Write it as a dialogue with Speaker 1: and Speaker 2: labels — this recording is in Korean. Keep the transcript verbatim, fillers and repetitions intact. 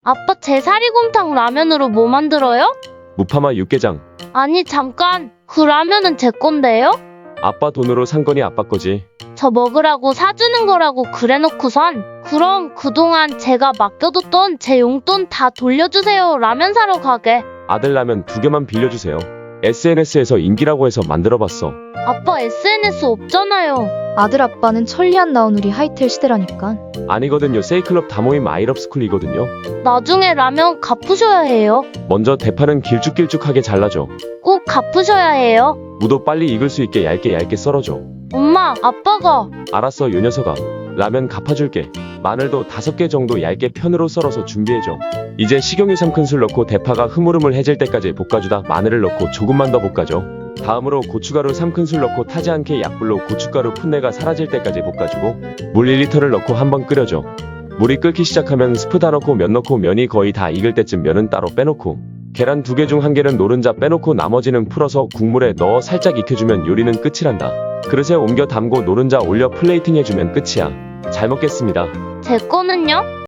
Speaker 1: 아빠 제 사리곰탕 라면으로 뭐 만들어요?
Speaker 2: 무파마 육개장.
Speaker 1: 아니 잠깐, 그 라면은 제 건데요?
Speaker 2: 아빠 돈으로 산 거니 아빠 거지.
Speaker 1: 저 먹으라고 사주는 거라고 그래놓고선 그럼 그동안 제가 맡겨뒀던 제 용돈 다 돌려주세요. 라면 사러 가게.
Speaker 2: 아들 라면 두 개만 빌려주세요. 에스엔에스에서 인기라고 해서 만들어봤어.
Speaker 1: 아빠 에스엔에스 없잖아요.
Speaker 3: 아들 아빠는 천리안 나온 우리 하이텔 시대라니까.
Speaker 2: 아니거든요. 세이클럽 다 모임 아이럽스쿨이거든요.
Speaker 1: 나중에 라면 갚으셔야 해요.
Speaker 2: 먼저 대파는 길쭉길쭉하게 잘라줘.
Speaker 1: 꼭 갚으셔야 해요.
Speaker 2: 무도 빨리 익을 수 있게 얇게 얇게 썰어줘.
Speaker 1: 엄마, 아빠가.
Speaker 2: 알았어 요 녀석아. 라면 갚아줄게. 마늘도 다섯 개 정도 얇게 편으로 썰어서 준비해줘. 이제 식용유 삼 큰술 넣고 대파가 흐물흐물해질 때까지 볶아주다 마늘을 넣고 조금만 더 볶아줘. 다음으로 고춧가루 삼 큰술 넣고 타지 않게 약불로 고춧가루 풋내가 사라질 때까지 볶아주고 물 일 리터를 넣고 한번 끓여줘. 물이 끓기 시작하면 스프 다 넣고 면 넣고 면이 거의 다 익을 때쯤 면은 따로 빼놓고 계란 두 개 중 한 개는 노른자 빼놓고 나머지는 풀어서 국물에 넣어 살짝 익혀주면 요리는 끝이란다. 그릇에 옮겨 담고 노른자 올려 플레이팅 해주면 끝이야. 잘 먹겠습니다.
Speaker 1: 제 거는요?